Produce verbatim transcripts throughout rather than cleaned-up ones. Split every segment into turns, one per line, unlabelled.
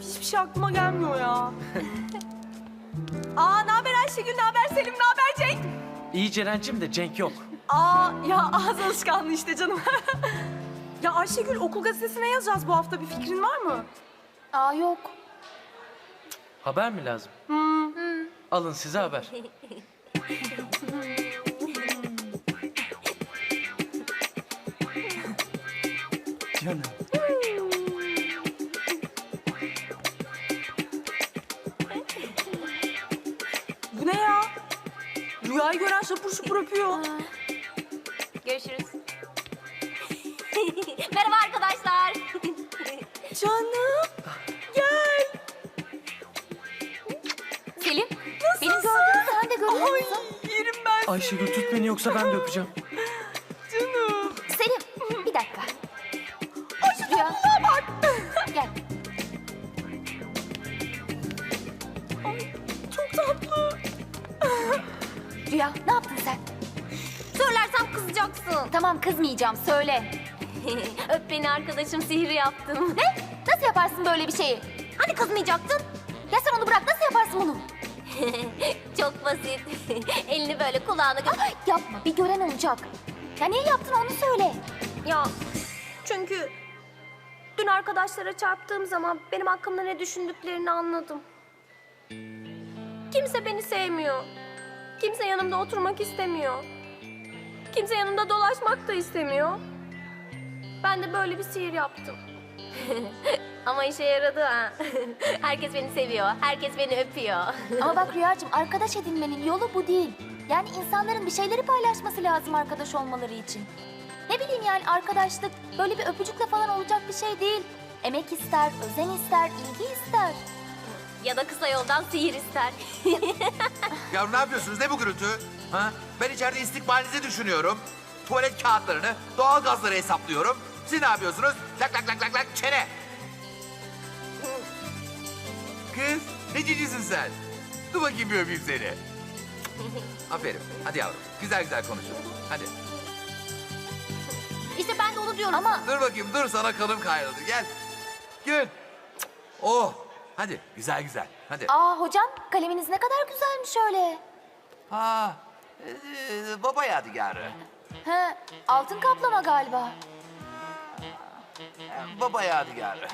hiçbir şey aklıma gelmiyor ya. Aa, ne haber Ayşegül, ne haber Selim, ne haber Cenk?
İyi Ceren'cim de Cenk yok.
Aa, ya ağız alışkanlığı işte canım. Ya Ayşegül, okul gazetesine yazacağız bu hafta, bir fikrin var mı?
Aa yok.
Haber mi lazım?
Hmm.
Alın size haber.
Canım.
Bu ne ya? Rüyayı gören şapur şupur öpüyor.
Görüşürüz. Merhaba arkadaşlar.
Canım, gel.
Selim, benim gördüğümü sen de görüyor
Ay,
musun?
yerim ben
Ayşegül tut beni yoksa ben de öpeceğim.
canım.
Selim, bir dakika.
Ay, şu tatlılığa bak.
Gel.
Çok tatlı.
Rüya, ne yaptın sen?
Söylersem kızacaksın.
Tamam, kızmayacağım. Söyle.
Öp beni arkadaşım, sihri yaptım.
Ne? Nasıl yaparsın böyle bir şeyi?
Hani kızmayacaktın?
Ya sen onu bırak, nasıl yaparsın bunu?
Çok basit. Elini böyle kulağına gö...
Ay, yapma, bir gören olacak. Ya niye yaptın onu söyle.
Ya çünkü dün arkadaşlara çarptığım zaman benim hakkımda ne düşündüklerini anladım. Kimse beni sevmiyor. Kimse yanımda oturmak istemiyor. Kimse yanımda dolaşmak da istemiyor. Ben de böyle bir sihir yaptım. Ama işe yaradı ha. Herkes beni seviyor. Herkes beni öpüyor.
Ama bak Rüyacığım, arkadaş edinmenin yolu bu değil. Yani insanların bir şeyleri paylaşması lazım arkadaş olmaları için. Ne bileyim yani, arkadaşlık böyle bir öpücükle falan olacak bir şey değil. Emek ister, özen ister, ilgi ister.
Ya da kısa yoldan sihir ister.
Ya ne yapıyorsunuz? Ne bu gürültü? Ha? Ben içeride istikbalinizi düşünüyorum. Tuvalet kağıtlarını, doğal gazları hesaplıyorum. Siz ne yapıyorsunuz? Lak lak lak lak lak çene. Kız, ne cicisin sen? Dur bakayım bir öpeyim seni. Aferin. Hadi yavrum. Güzel güzel konuşun. Hadi.
İşte ben de onu diyorum.
Ama
Dur bakayım. Dur sana kanım kaynadı. Gel. Gül. Oh. Hadi. Güzel güzel. Hadi.
aa hocam, kaleminiz ne kadar güzelmiş öyle.
Ha. Ee, baba yadigarı.
He, altın kaplama galiba.
Ee, Baba yadigarı.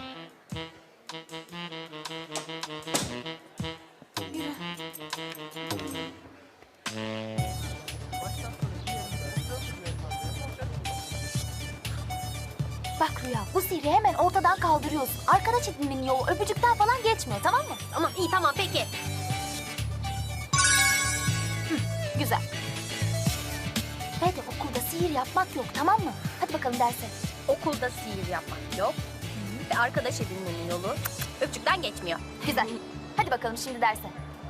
Bak Rüya, bu sihri hemen ortadan kaldırıyorsun. Arkadaş edinmenin yolu öpücükten falan geçmiyor, tamam mı?
Tamam iyi tamam peki.
Güzel. Ve de okulda sihir yapmak yok, tamam mı? Hadi bakalım derse.
Okulda sihir yapmak yok. Ve arkadaş edinmenin yolu öpücükten geçmiyor.
Güzel. Hadi bakalım şimdi derse.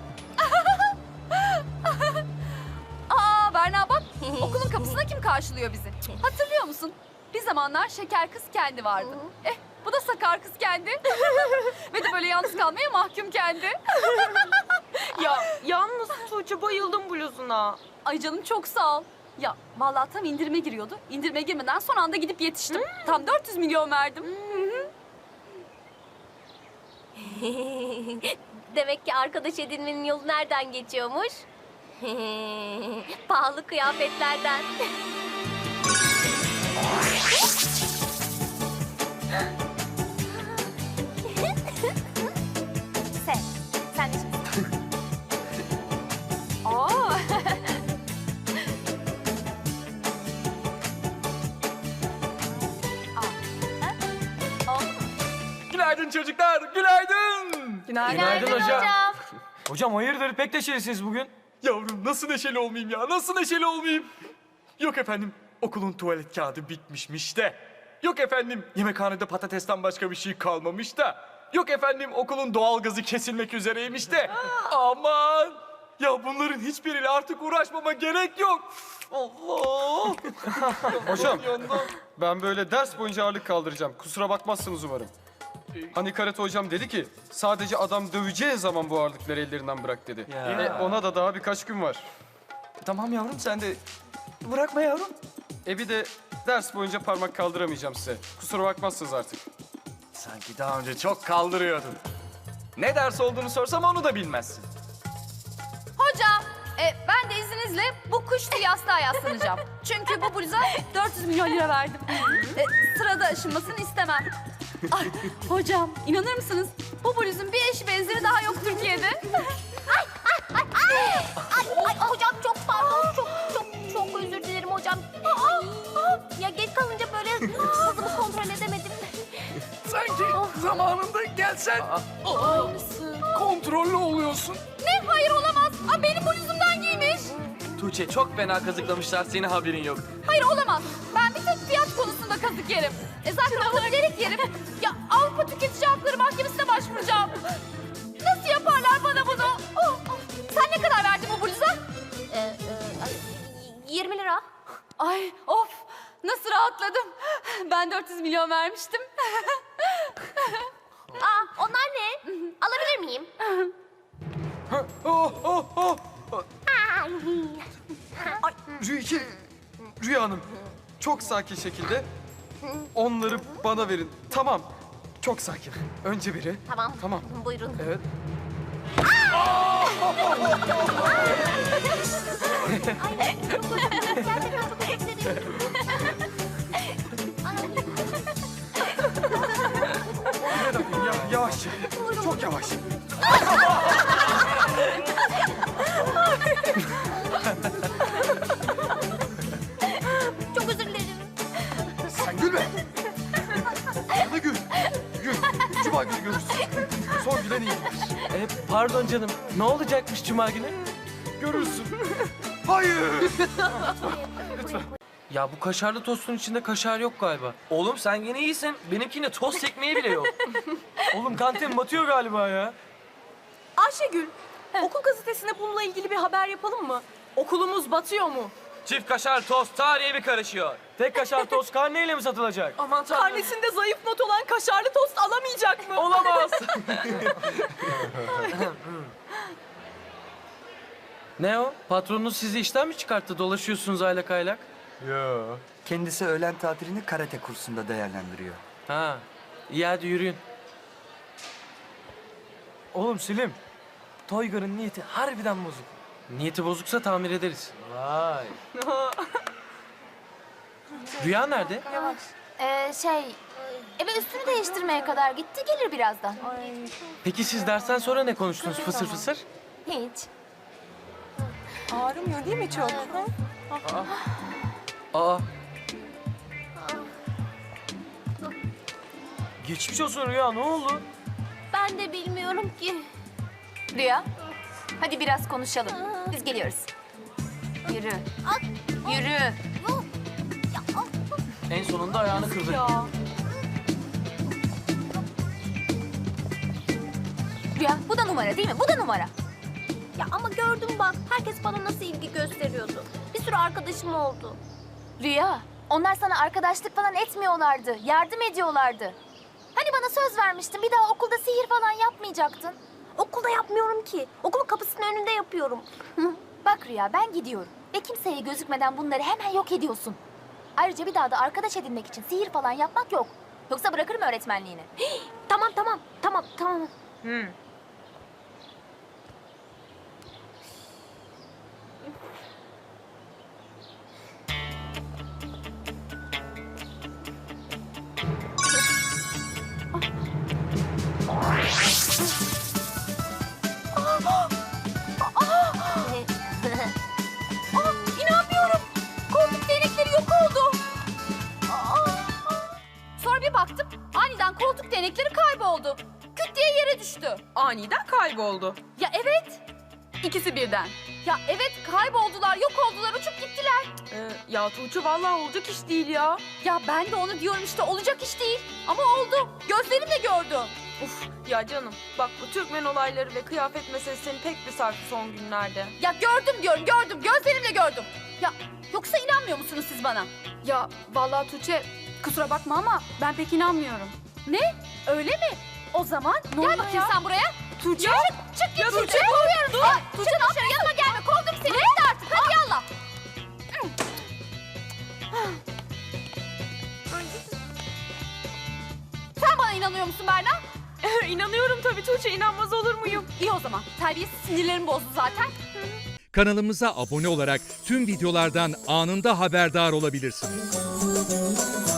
Aa Berna bak, okulun kapısına kim karşılıyor bizi? Hatırlıyor musun? Bir zamanlar şeker kız kendi vardı. Eh, bu da sakar kız kendi. Ve de böyle yalnız kalmaya mahkum kendi.
Ya yalnız Tuğçe, bayıldım bluzuna.
Ay canım çok sağ ol. Ya vallahi tam indirime giriyordu. İndirime girmeden son anda gidip yetiştim. Tam dört yüz milyon verdim.
Demek ki arkadaş edinmenin yolu nereden geçiyormuş? Pahalı kıyafetlerden.
Sen, sen de şimdi.
Aa.
Günaydın çocuklar, günaydın.
Günaydın hocam.
Hocam hayırdır, pek neşelisiniz bugün. Yavrum nasıl neşeli olmayayım ya, nasıl neşeli olmayayım? Yok efendim, okulun tuvalet kağıdı bitmişmiş de. Yok efendim, yemekhanede patatesten başka bir şey kalmamış da. Yok efendim, okulun doğalgazı kesilmek üzereymiş de. Aman! Ya bunların hiçbiriyle artık uğraşmama gerek yok. Allah!
Hocam, ben böyle ders boyunca ağırlık kaldıracağım. Kusura bakmazsınız umarım. Hani karate hocam dedi ki, sadece adam döveceği zaman bu ağırlıkları ellerinden bırak dedi.
Ya.
E, ona da daha birkaç gün var.
Tamam yavrum, sen de bırakma yavrum.
E bir de ders boyunca parmak kaldıramayacağım size. Kusura bakmazsınız artık.
Sen Sanki daha önce çok kaldırıyordun. Ne ders olduğunu sorsam onu da bilmezsin.
Hocam, e, ben de izninizle bu kuş tüyü yastığa yaslanacağım. Çünkü bu bluza dört yüz milyon lira verdim. E, sırada aşınmasını istemem. Ay, hocam, inanır mısınız? Bu bluzun bir eşi benzeri daha yok Türkiye'de.
Ay, ay hocam çok pardon. Çok çok çok özür dilerim hocam. Ay, ya geç kalınca böyle hızımı kontrol edemedim.
Sanki zamanında gelsen kontrollü oluyorsun.
Ne? Hayır olamaz. Aa, benim bluzumdan giymiş.
Tuğçe çok fena kazıklamışlar, senin haberin yok.
Hayır olamaz. Ben bir tek fiyat konusunda kazık yerim. E zaten onları gerek yerim. Ya Avrupa Tüketici Hakları Mahkemesi'ne başvuracağım. Nasıl yaparlar bana bunu? Oh, oh. Sen ne kadar verdin bu bluza?
Ee, e, ay, yirmi lira.
Ay of nasıl rahatladım. Ben dört yüz milyon vermiştim.
Aa onlar ne? Alabilir miyim?
Oh, oh, oh. Rüya, Rüya Hanım, çok sakin şekilde onları bana verin. Tamam, çok sakin. Önce biri.
Tamam.
Tamam.
Buyurun.
Evet.
Ay, çok özür dilerim. Gerçekten çok özür dilerim.
Bir dakika, ya, yavaşça. Çok yavaş.
Çok özür dilerim.
Sen gülme. Sana gül. Gül. Cuma günü görürsün. Son gülen iyi.
E, pardon canım, ne olacakmış Cuma günü?
Görürsün. Hayır.
Ya bu kaşarlı tostun içinde kaşar yok galiba.
Oğlum sen yine iyisin. Benimkinde tost ekmeği bile yok. Oğlum kantin batıyor galiba ya.
Ayşegül, okul gazetesine bununla ilgili bir haber yapalım mı? Okulumuz batıyor mu?
Çift kaşar tost tarihe bir karışıyor. Tek kaşar tost karneyle mi satılacak?
Aman tanrım. Karnesinde zayıf not olan kaşarlı tost alamayacak mı?
Olamaz.
Ne o? Patronunuz sizi işten mi çıkarttı? Dolaşıyorsunuz aylak aylak.
Yo.
Kendisi öğlen tatilini karate kursunda değerlendiriyor.
Ha, iyi hadi yürüyün.
Oğlum Selim. Toygar'ın niyeti harbiden bozuk.
Niyeti bozuksa tamir ederiz.
Vay.
Rüya nerede?
Ee, şey, eve üstünü değiştirmeye kadar gitti, gelir birazdan.
Peki siz dersten sonra ne konuştunuz fısır fısır?
Hiç.
Ağrımıyor değil mi çok?
Aa,
Geçmiş olsun Rüya ne oldu?
Ben de bilmiyorum ki.
Rüya, hadi biraz konuşalım. Biz geliyoruz. Yürü. Yürü.
en sonunda ayağını kırdı.
Ya.
Rüya, bu da numara değil mi? Bu da numara.
Ya ama gördüm bak. Herkes bana nasıl ilgi gösteriyordu. Bir sürü arkadaşım oldu.
Rüya, onlar sana arkadaşlık falan etmiyorlardı. Yardım ediyorlardı. Hani bana söz vermiştin, bir daha okulda sihir falan yapmayacaktın.
Okulda yapmıyorum ki. Okulun kapısının önünde yapıyorum.
Bak Rüya, ben gidiyorum. Ve kimseye gözükmeden bunları hemen yok ediyorsun. Ayrıca bir daha da arkadaş edinmek için sihir falan yapmak yok. Yoksa bırakırım öğretmenliğini.
Tamam tamam. Tamam tamam.
İnanmıyorum. Koltuk değnekleri yok oldu. Aa! Sonra bir baktım aniden koltuk değnekleri kayboldu. Küt diye yere düştü.
Aniden kayboldu.
Ya evet. İkisi birden. Ya evet kayboldular, yok oldular, uçup gittiler.
Ee, ya Tuğçe vallahi olacak iş değil ya.
Ya ben de onu diyorum işte olacak iş değil. Ama oldu. Gözlerimle gördüm.
Uf ya canım bak bu Türkmen olayları ve kıyafet meselesinin pek bir sarfı son günlerde.
Ya gördüm diyorum, gördüm. Gözlerimle gördüm. Ya yoksa inanmıyor musunuz siz bana?
Ya vallahi Tuğçe kusura bakma ama ben pek inanmıyorum.
Ne? Öyle mi? O zaman gel bakayım sen buraya.
Tuğçe?
Çık, çık git Tuğçe. Kovuyorum dur. Ay, Tuğçe çık dışarı yanıma gelme. Kovdum seni. Hadi artık hadi yallah. Sen bana inanıyor musun Berna?
İnanıyorum tabii Tuğçe, inanmaz olur muyum?
İyi o zaman. Terbiyesiz sinirlerimi bozdu zaten.
Kanalımıza abone olarak tüm videolardan anında haberdar olabilirsiniz.